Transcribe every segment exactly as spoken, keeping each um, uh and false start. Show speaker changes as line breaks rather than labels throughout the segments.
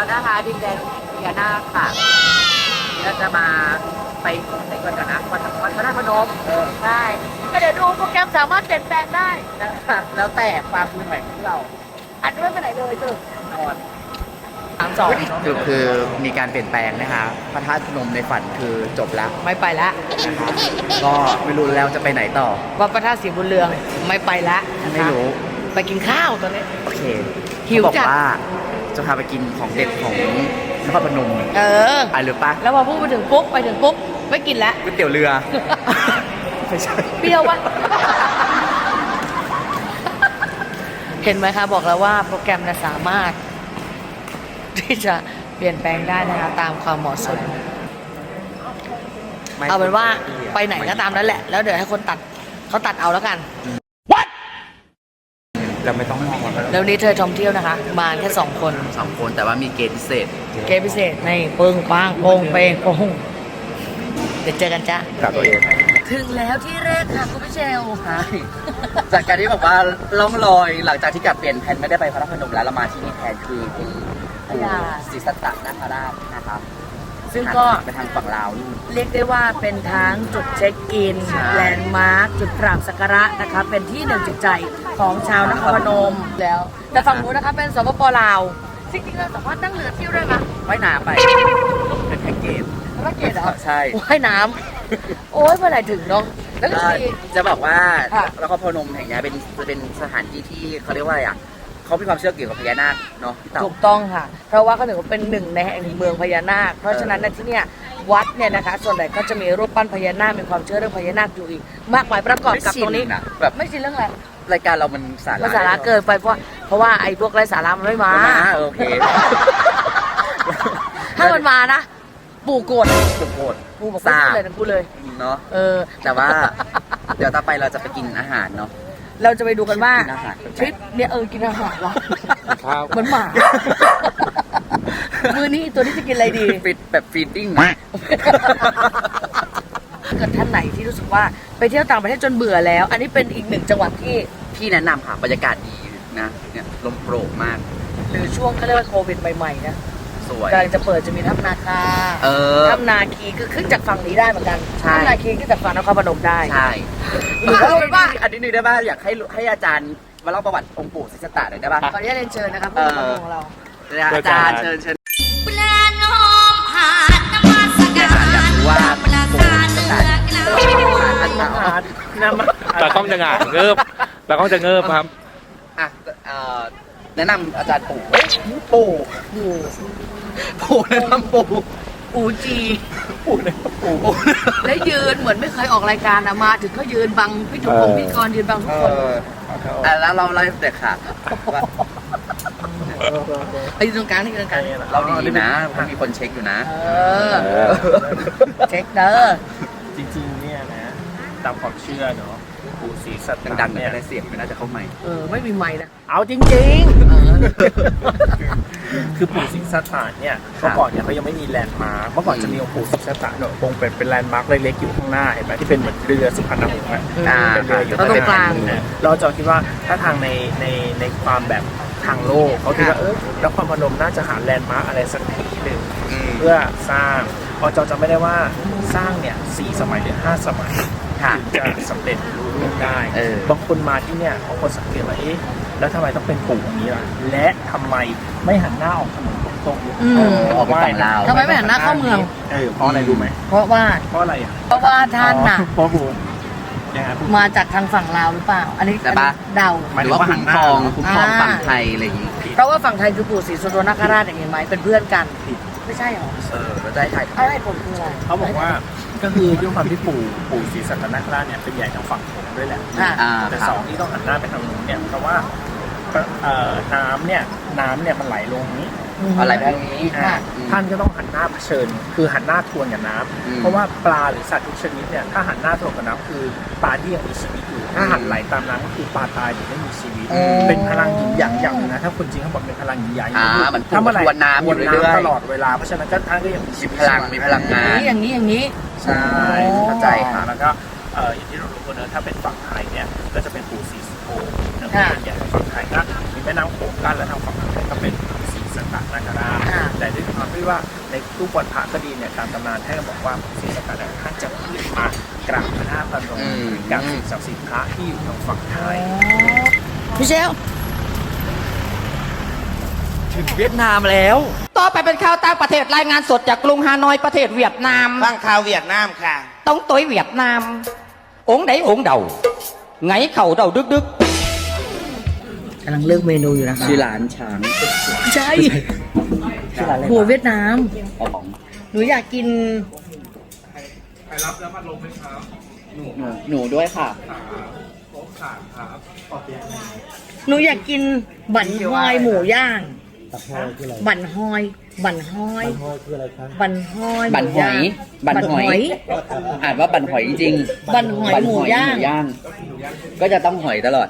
นะคะดินแดนพญานาคค่ะเราจะมาไปไหนก่อนกันนะวัดวัดพระธาตุพนมเออใช่ก็เดี๋ยวดูโปรแกรมสามารถเปลี่ยนแปลงได้นะคะแล้วแต่ความเหนื่อยของเราอัดไม่ไปไหนเลยคือนอนสามสอง
คือคือมีการเปลี่ยนแปลงนะคะพระธาตุพนมในฝันคือจบแล้ว
ไม่ไปแล้ว
นะคะก็ไม่รู้แล้วจะไปไหนต่อ
วัดพระธาตุศรีบุญเรืองไม่ไปแล้วนะคะ
ไม่รู้
ไปกินข้าวตอนนี้
โอเค
หิว
เขาบอก
จัด
ว่าจะพาไปกินของเด็ดของนครพนม
เออ
ไปหรือปะ
แล้วพอพูดไปถึงปุ๊บไปถึงปุ๊บไม่กินแล้ว
ก๋วยเตี๋ยวเรือ ไม่ใช่
เปรี้ยววะ เห็นไหมคะบอกแล้วว่าโปรแกรมนะสามารถ ที่จะเปลี่ยนแปลงได้นะคะตามความเหมาะสม เอาเป็นว่าไปไหนก็ตามนั้นแหละ แล้วเดี๋ยวให้คนตัดเขาตัดเอาแล้วกัน
เราไม่ต้องมอง
แล้วนี้เธอท่องเที่ยวนะคะ มาแค่สองคน
สองคนแต่ว่ามีเกณฑ์พิเศษ
เกมพิเศษในปึ้งปังโปงเปงโปงเดี๋ยวเจอกันจ้ะ
กับตัวเอง
ถึงแล้วที่แรกค่ะคุณพี่เชลค่ะ
จากการที่แบบว่าล่องลอยหลังจากที่กลับเปลี่ยนแผนไม่ได้ไปพระธาตุพนมแล้วเรามาที่นี่แทนคือที่ปู่ศรีสัตตนาคราชนะครับ
ซึ่งก็
ไปทางฝั่งลาวนู่น
เรียกได้ว่าเป็นทั้งจุดเช็คอิน
ใช่
แลนด์มาร์ค จุดกราบสักการะนะคะ เป็นที่หนึ่งจิตใจของชาวนครพนมแล้ว แต่ฝั่งนู้นนะคะเป็นสปปลาวจริงๆเราสามารถนั่งเรือเที่ยวได้ไหม
ว่ายน้ำไปเป็นแพ็กเกจ
ไม่เกตเหรอ
ใช่
ว่ายน้ำโอ้ยเมื่อไหร่ถึงเนาะแล้วก็
ก็
จะมี
จะบอกว่า
ค่ะ
นครพนมแห่งนี้เป็นจะเป็นสถานที่ที่เขาเรียกว่าอะไรอ่ะเขามีความเชื่อเกี่ยวกับพญานาคเนาะพี่เต่า
ถูกต้องค่ะ เพราะว่าเขาถือว่าเป็นหนึ่งในแห่งเมืองพญานาค เพราะฉะนั้นในะที่เนี่ยวัดเนี่ยนะคะ ส่วนใหญ่ก็จะมีรูปปั้นพญานาคมีความเชื่อเรื่องพญานาคอยู่อีก มากมายประกอบกับตรงนี้
ไม่ชินอะแบบ
ไม่ใช่เรื่องอะไร
รายการเรามันสาระ
มันสาระเกินไปเพราะเพราะว่าไอ้พวกไร้สาระมันไม่มา
มาโอเค
ถ้ามันมานะ ปู่โกรธ
สุดโหด
ปู่บอกไม่พูดเลยนะพูดเลย
เนาะ
เออ
แต่ว่า เดี๋ยวต่อไปเราจะไปกินอาหารเนาะ
เราจะไปดูกันว่า
กินอาหาร
ทริปเนี่ยเออกินอาหารวะ
ครับ
เหมือนหมา มือนี้ตัวนี้จะกินอะไรดี
ฟิตแบบฟีดดิ้ง
เกิดท่านไหนที่รู้สึกว่าไปเที่ยวต่างประเทศจนเบื่อแล้ว อันนี้เป็นอีกหนึ่งจังหวัดที่
พี่แนะนำค่ะบรรยากาศดีนะเนี่ยลมโปร่งมาก
หรือช่วงเขาเรียกว่าโควิดใหม่ๆนะ
สวย
กำลังจะเปิดจะมีถ้ำนาคา
เออ
ถ้ำนาคีคือขึ้นจากฝั่งนี้ได้เหมือนกัน
ใช่
ถ้ำนาคีขึ้นจากฝั่งนครพนมได้
ใช่
หรือว่าเป็นว่า
อันนี้นึงได้ป่ะอยากให้ให้อาจารย์มาเล่าประวัติองค์ปู่ศรีสัตตะหน่อยได้ป่ะ
ขออนุญาตเรียนเชิญนะครับผู้ปกครองของเรา
อาจารย์เชิญเชิญ
ปลาน้อมหาดน้ำมันสกัด
อยากรู้ว่า
ปลา
ปู่
สา
ศรี
เนื้
สัตตะ
อกระ
ท่านมาเอา
ตากล้องจะหงายเงิบตากล้องจะเงิบครับ
อ่ะเอ่อแนะนำอาจารย์ปู่ปู่
ปู่
ปู่แนะนำปู่
ปู่จี
ปู่แนะนำปู่ปู่
และยืนเหมือนไม่เคยออกรายการอะมาถึงก็ยืนบังพี่จุ๊บผมพี่กรยืนบังทุก
เอ
คน
ออ่ะแล้วเราเล่าให้เด็กค่ะว่า
ไปยืนตรงกลางนี่ยืนตรงกลาง
เราดีนะเพราะมีคนเช็คอยู่นะ
เออเช็คเด้อ
จริงๆเนี่ยนะตามความเชื่อเนาะปู่ศรีสัตตะ
ดังๆหน่อย
เนี่ย
ก็ได้เสียงไม่น่าจะเข้าใหม่
เออไม่มีไม้นะ
เอาจริง
เออ
ๆ คือปู่ศรีสัตตะเนี่ยเมื่อก่อนเนี่ยเขายังไม่มีแลนด์มาร์คเมื่อก่อนจะมีองค์ปู่ศรีสัตตะเนี่ยคงเป็นเป็นแลนด์มาร์คเล็กๆอยู่ข้างหน้าเห็นไหมที่เป็นเหมือนเรือสุพรรณหงส์อะ
อ่า
เป็นเรืออยู่
แล้วตรงกลาง
เนี่ยเราจะคิดว่าถ้าทางในในในความแบบทางโลกเขาคิดว่าเออนครพนมน่าจะหาแลนด์มาร์คอะไรสักที่หนึ่ง
อืม
เพื่อสร้างพอจอจำไม่ได้ว่าสร้างเนี่ยสี่สมัยหรือห้าสมัย
ค่ะ
ถึงจะสำเร็จรู้ล่วงได้
เออ
บางคนมาที่เนี่ยบางคนสังเกตว่าเอ๊ะแล้วทำไมต้องเป็นปู่อย่างนี้ล่ะและทำไมไม่หันหน้าออกถนนตรงๆ
อืม
เออ
ออกไปฝั่งลาว
ทำไมไม่หันหน้าเข้าเมือง
เออเพราะอะไรรู้ไหม
เพราะว่า
เพราะอะไรอ่ะ
เพราะว่าท่านน่ะ
เพราะปู่ยังไงปู่
มาจากทางฝั่งลาวหรือเปล่า อันนี้
แต่ปะ
เดา
หมาย
ห
ถึ
รือง ว่า
ว่า
คุ้มครอง
หันหน้า
คุ้มครอง
อ่า
ฝั่งไทยอะไรอย่างงี้
เพราะว่าฝั่งไทยคือปู่ศรีสุโธนคราชอย่างเห็นไหมเป็นเพื่อนกัน ไม่ใช่หรอ
เออแล้วได้ถ่าย
อะไรผลคืออะไร
เขาบอกว่าก็คือด้วยความที่ปู่ปู่ศรีสัตนคราชเนี่ยเป็นใหญ่ทางฝั่งโขงด้วยแหละ
ค่ะ
อ่า
แต่
ครับ
สองที่ต้องหันหน้าไปทางนู้นเนี่ยเพราะว่าเอ่อน้ำเนี่ยน้ำเนี่ยมันไหลลงนี้
อะไรพวกนี้
อ่า
อืม
ท่านก็ต้องหันหน้าเผชิญ คือหันหน้าทวนกับน้
อืม
ำเพราะว่าปลาหรือสัตว์ทุกชนิดเนี่ยถ้าหันหน้าทวนกับน้ำคือปลาที่ยังมีชีวิตอยู่ถ้าหันไหลตามน้ำก็คือปลาตายหรือไม่มีชีวิต
อืม
เป็นพลังหยินหยางอย่างหนึ่งนะถ้าคนจริงเขาบอกเป็นพลังหยินหยาง
อ่ามัน
ถ้าเมื่อไหร่
ทวนน้ำอยู่
ทวน
เรื่อยๆ
น้ำตลอดเวลาเพราะฉะนั้นก็ท่านก็ยังมีชี
มี
วิต
พลังมีพลังงาน
อย่างนี้อย่างนี้
ใช่
เข้าใจค่ะ
แล้วก็เอ่ออย่างที่เรารู้กันเนอะถ้าเป็นฝั่งไทยเนี่ยก็จะเป็นปู่ศรีสุโธนะ
ค่ะ
เป็นใหญ่ฝั่งไทยก็มีแม่น้ำโขงกั้นและทางฝั่งไทยก็เป็นศรีสัตนคราช
ค่ะ
แต่แต่ด้วยความที่ว่าในตู้บอลพระก็ดีเนี่ยตามตำนานท่านก็บอกว่าศรีสัตตะท่านจะขึ้นมากราบพระธาตุพนมกับสิ่งศักดิ์สิทธิ์พระที่อยู่ทางฝั่งไทย
พี่เชล
ถึงเวียดนามแล้ว
ต่อไปเป็นข่าวต่างประเทศรายงานสดจากกรุงฮานอยประเทศเวียดนาม
ฟังข่าวเวียดนามค่ะ
ต้องตัวเวียดนามองค์ไหนองค์เดาไงเข่าเดาดึกดึกกำลังเลือกเมนูอยู่นะคะ
ชื่อร้านช้าง
ใช่
ชื่อร้านอะไร
หัวเวียดนาม
อ๋อของ
หนูอยากกิน
หนูหนูด้วยค่ะ
หนูอยากกินบั่นฮอยหมูย่าง บั่นฮอย บั่นฮอย บั่นฮอย
บั่นหอย
บั่
บั่
น
น
ห
ห
อ
อย ย อ่านว่าบั่นหอยจริง
บั่นหอยหมูย่าง
หมูย่าง ก็จะต้องหอยตลอด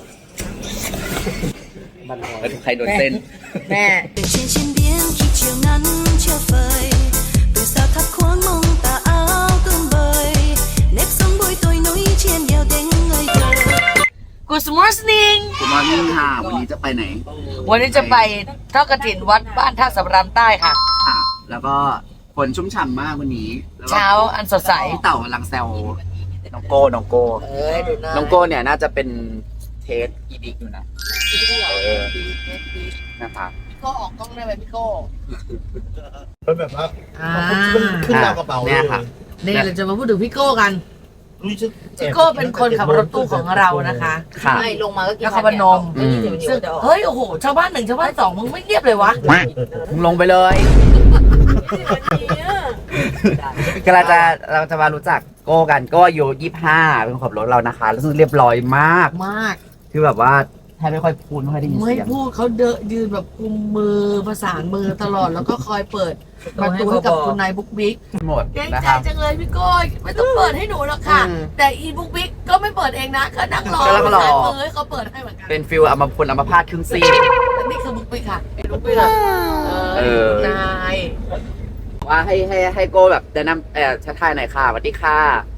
แล้วใครโดนเส้น
แม่
Từ trên trên biển khi chiều nắng chưa phơi từ sao thắp khoáng mong tà áo tương bời nếp sống bụi tôi núi trên đèo đến người thờ
Good morning
คุณมอนิ่งค่ะ วันนี้จะไปไหน
วันนี้จะไปทอดกฐินวัดบ้านท่าสำรานใต้ค่ะ
ค่ะ แล้วก็ฝนชุ่มฉ่ำมากวันนี้แล้วก็
เช้าอันสดใส
พี่เต่ากำลังแซวน้องโก้น้องโก้
เอ้ยดูหน้า
น้องโก้เนี่ยน่าจะเป็นเทสอีดิกอยู่นะเออนะคะ
พี่โก้ออกกล้องได้ไหมพี่โก้
เป็นแบบว่า
อ่า
ขึ้นราวกระเป๋า
เนี่ยค่ะ
นี่เราจะมาพูดถึงพี่โก้กัน
รู้สึก
พี่โก้เป็นคนขับรถตู้ของเรานะคะ
ค่ะ
ใช่ลงมาก็กินนครพนม
อืม
ซึ่งเฮ้ยโอ้โหชาวบ้านหนึ่งชาวบ้านสองมึงไม่เงียบเลยวะ
มึงลงไปเลยก็เราจะเราจะมารู้จักโก้กันโก้อายุยี่ห้าเป็นคนขับรถเรานะคะแล้วซึ่งเรียบร้อยมาก
มาก
คือแบบว่าแทบไม่ค่อยพูดไม่ค่อยได้ยิน
ไม่
เสียง
พูดเขาเดินยืนแบบกุมมือประสานมือตลอดแล้วก็คอยเปิดประตูให้กับคุณนายบุ๊กบิ๊ก
หมด
เกรง
นะ
ใจ
ครับ
จังเลยพี่โก้ยไม่ต้องเปิดให้หนูหรอกค่ะ
อืม
แต่อีบุ๊กบิ๊กก็ไม่เปิดเองนะก็นั่งรอ
ก็นั่งรอ
สายมือให้เขาเปิดให้เหมือนกัน
เป็นฟิลอัมพลอัมพาตครึ่งซีก
และนี่คือบุ๊กบิ๊กค่ะบุ๊กบิ๊กค่ะ
เออ
นาย
ว่าให้ให้ให้โก้แบบแนะนำเอ่อชักทายหน่อยค่ะสวัสดีค่ะ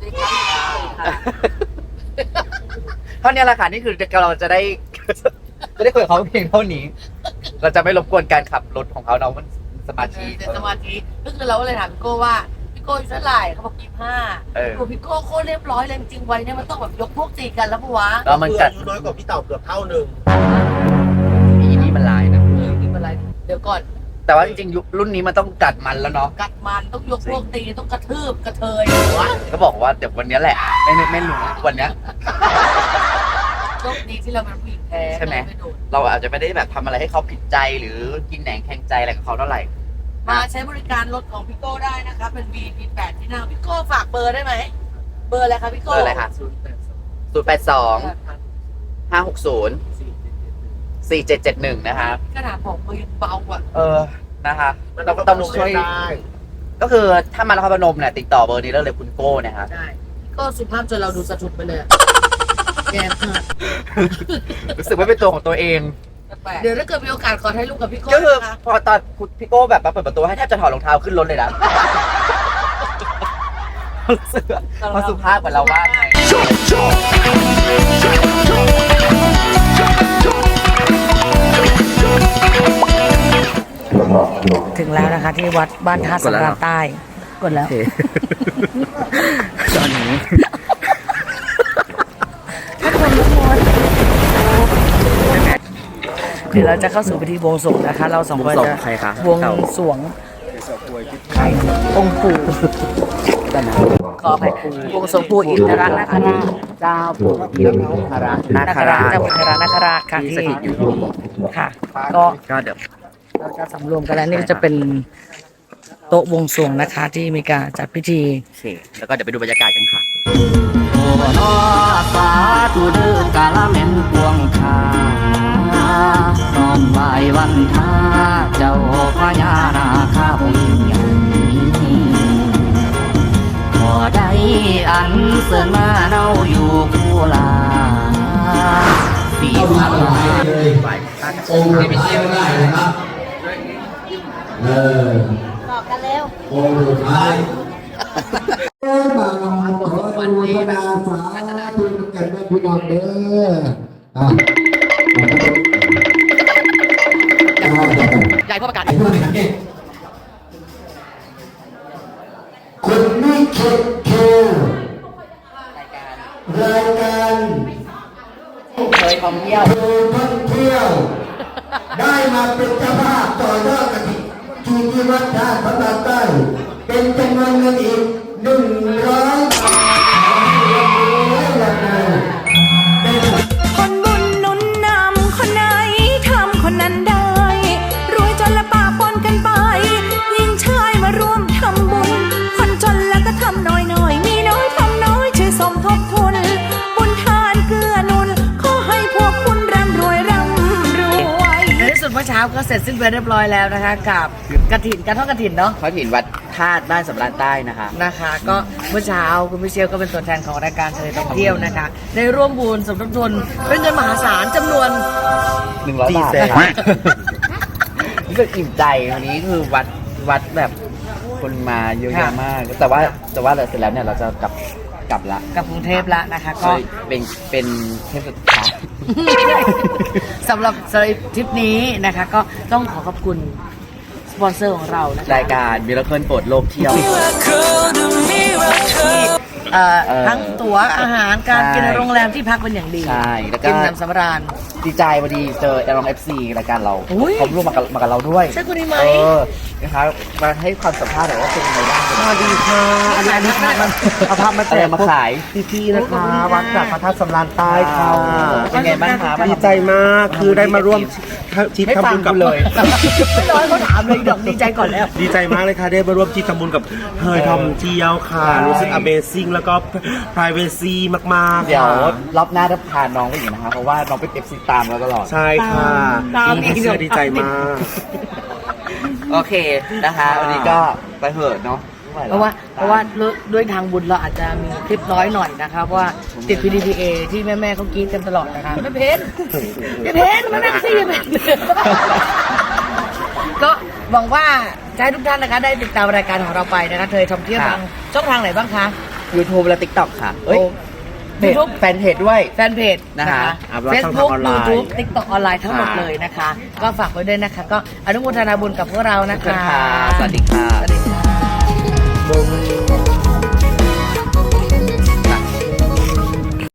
เท่านี้แหละค่ะนี่คือเราจะได้ จะได้คุยกับเขาเพียงเท่านี้ เราจะไม่รบกวนการขับรถของเขาเนาะมันสมาธิ
เดี๋ยวสมาธิก็คือเราก็เลยถามพี่โก้ว่าพี่โก้อายุเท่าไหร่เขาบอกยี่สิบห้า
เออ
โอ้พี่โก้โคตรเรียบร้อยเลยจริงๆวัยเนี่ยมันต้องแบบยกพวกตีกันแล้วปะวะ
แล้วมันกัด
อายุน้อยกว่าพี่เต่าเกือบเท่าหนึ่ง
อีนี่มันลายนะ
เออนี่เป็นไรเดี๋ยวก่อน
แต่ว่าจริงๆยุครุ่นนี้มันต้องกัดมันแล้วเนาะ
กัดมันต้องยกพวกตีต้องกระทืบกระเทย
ก็บอกว่าเดี๋ยววันนี้แหละ ไม่ไม่ไม่รู้วันเนี้ย
โชคดีที่เราเป็นผู้หญิงแท้
ใช่ไหม
ไม่โดน
เราอาจจะไม่ได้แบบทำอะไรให้เขาผิดใจหรือกินแหนงแข่งใจอะไรกับเขาเท่าไหร่
มาใช้บริการรถของพี่โก้ได้นะคะเป็น วี พี แปด ที่นั่งพี่โก้ฝากเบอร์ได้ไหมเบอร์อะไรคะพี่
เบ
โก้
อร์อะไรคะศูนย์แปดสองห้าหกศูนย์สี่เจ็ดเจ็ดหนึ่งนะคะ
ขนาดบอกเบอร์ยังเบาอ่ะ
เออนะคะต้องต้องช่วย ก็คือถ้ามานครพนมเนี่ยติดต่อเบอร์นี้ได้เลยคุณโก้นะครับ
ได้ก็สุภาพจนเราดูสะทุดไปเลยอะแกมาก
รู้สึกว่าเป็นตัวของตัวเอง
เดี๋ยวถ้าเกิดมีโอกาสขอถ่ายรูปกับพี่โก้
ก็คือ
นะคะ
พอตอนคุณพี่โก้แบบมาเปิดประตูให้แทบจะถอดรองเท้าขึ้นรถเลยนะรู้สึกว่าเขาสุภาพกว่าเราบ้างไง
ถึงแล้วนะคะที่วัดบ้านท่าสำราญใต้กดแล้ว
ตอนนี้
เดี๋ยวเราจะเข้าสู่พิธีบวงสรวงนะคะ เราสองคนจะ
ใครคะ
บวงสรวงองค์ปู่ขออภัยบวงสรวงปู่อินทรนาคราช
เจ้าปู่อินทรนา
นา
ค
ครา
รา
ช
ช
เจ้าปู่อินทรนาคราชค่ะ
ที่
ที่
สถิตอยู่ที่นี่
ค่ะ ก็
ก็เดี๋ยว
เราจะสำรวมกันแล้วนี่ก็จะเป็นโต๊ะบวงสรวงนะคะ ที่มีการจัดพิธี
โอเคแล้วก็เดี๋ยวไปดูบรรยากาศกันค่ะโอ้นอสาธุเดือกาลเมนพวงคาน้อมไหววันทาเจ้าพญานาคาองค์ใหญ่ขอได้อันเสริญมาเราอยู่คู่ลาสีพันลายเลยองค์ไม่ใช่ได้นะครับเออบอกกันเร็วองค์สุดท้าย
วันนี้นะสาธุกันได้พี่น้องเด้ออ่ะ
ใหญ่พ่อประกาศ
ไอ้พวกนี้เข็ดแคร์รายการ
เคยท่องเที่ยว
โดยท่องเที่ยว ได้มาเป็นเจ้าภาพต่อยอดกฐินที่ที่วัดท่าพระบาทใต้เป็นจำนวนเงินอีกหนึ่งร้อยบาท
คนบุญหนุนนำคนไหนทำคนนั้นได้ รวยจนละปะปนกันไปหญิงชายมาร่วมทำบุญ คนจนแล้วก็ทำน้อยหน่อยมีน้อยทำน้อยช่วยสมทบทุน บุญทานเกื้อหนุนขอให้พวกคุณร่ำรวยร่ำรวย
ในที่สุดเมื่อเช้าก็เสร็จสิ้นไปเรียบร้อยแล้วนะคะ กับกฐินการทอดกฐินเนาะ
เขาถิ่นวัดธาตุบ้านสำราญใต้นะคะ
นะคะ ก็เมื่อเช้าคุณพิเชียวก็เป็นตัวแทนของรายการเทเลท่องเที่ยวนะคะได้ร่วมบุญสมทบทุนเป็นเงินมหาศาลจำนวน
หนึ่งร้อยบาทนะคะรู้สึกอิ่มใจวันนี้คือวัดวัดแบบคนมาเยอะแยะมาก แต่ว่าแต่ว่าเสร็จแล้วเนี่ยเราจะกลับกลับละ
กับกรุงเทพละนะคะ
ก็
ก็
เป็นเป็นเทปสุดท้าย
สำหรับสำหรับทริปนี้นะคะ ก็ต้องขอขอบคุณสปอนเซอร์ของเรานะคะ
รายการมิราเคิลโปรดโลกเที่ยว
เอ่อ
เอ่อ
ทั้งตั๋วอาหารการ
ใช่
กินในโรงแรมที่พักเป็นอย่างดี
ใช่แล้วก็
กินน้ำสำราญ
ดีใจพอดีเจอแอรองเอฟซีรายการเรา
อุ๊ย
เขาร่วมมากับมากับเราด้วย
ใช่คนนี้ไหม
เออนะคะมาให้ความสัมภาษณ์หน่อยว่าเป็นยังไงบ้าง
สวัสดีค่ะอันนี้อันนี้พามาเอาภาพมาแจ
อะไร
ก
มาขาย
พี่ๆนะคะวัดจากพระธาตุสำราญใต้ค่ะ
เป็นไงบ้างคะ
ดีใจมากคือได้มาร่วมทริป
ไม่
ทำ
ฟัง
บุญกับ
กูเลย
ไม่ร้อยเขาถามเลยดอกดีใจก่อนแล้ว
ดีใจมากเลยค่ะได้มาร่วมทริปทำบุญกับเฮยทอมเที่ยวค่ะ
ใช่
รู้สึก Amazing แล้วก็ privacy มากๆ
เดี๋ยว
ค่ะ
รอบหน้าจะพาน้องไปอีกนะคะเพราะว่าน้องเป็นเอฟซีตามเราตลอด
ใช่ค่ะ
ตามอีก
ดีใจดีใจมาก
โอเคนะคะ วันนี้ก็ไปเถอะเนาะไม่ไห
เพราะว่าเพราะว่าด้วยทางบุญเราอาจจะมีคลิปน้อยหน่อยนะคะเพราะว่าติด พี ดี พี เอ ที่แม่ๆเขากรี๊ดกันตลอดนะคะไม่เพชรไม่เพชรมานั่งสิไม่เพชรก็หวังว่าจะให้ทุกท่านนะคะได้ติดตามรายการของเราไปนะคะเธอท่องเที่ยวทางช่องทางไหนบ้างคะ
YouTube และ TikTok ค่ะเอ้ย
โอ้ YouTube
แฟนเพจด้วย
แฟนเพจนะ
นะคะ
คะ
อ่าว่า
เฟซ
ช่องทาง
บุ๊ก
ออนไล
ยู
น์
ทูบติ๊กต็อกออนไลน์ทั้งหมดเลยนะคะ ก็ฝากไว้ด้วยนะคะ ก็อนุโมทนาบุญกับพวกเรานะ
ขอบคุณ
คะ
ค่ะสวัสดีค่ะ
สวัสดีค่ะ